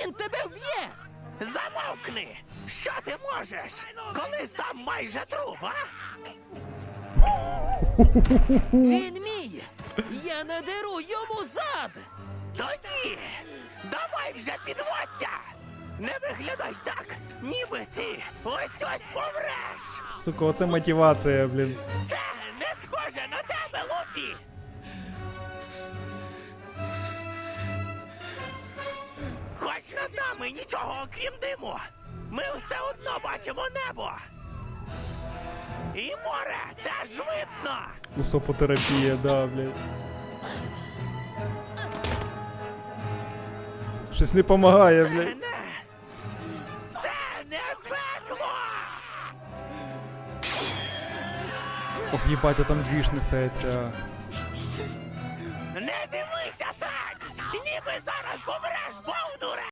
він тебе вб'є! Замовкни! Що ти можеш, коли сам майже труп, а? Він мій! Я надеру йому зад! Тоді давай вже підводься! Не виглядай так, ніби ти ось-ось помреш! Сука, оце мотивація, блін. Це не схоже на тебе, Луфі! Хоч над нами нічого окрім диму, ми все одно бачимо небо! І море теж видно! Усопотерапія, да, блядь. Щось не помагає, блядь. Це не пекло! Ох, їбать, а там двіж несеться. Не дивися так! Ніби зараз помреш, бовдуре!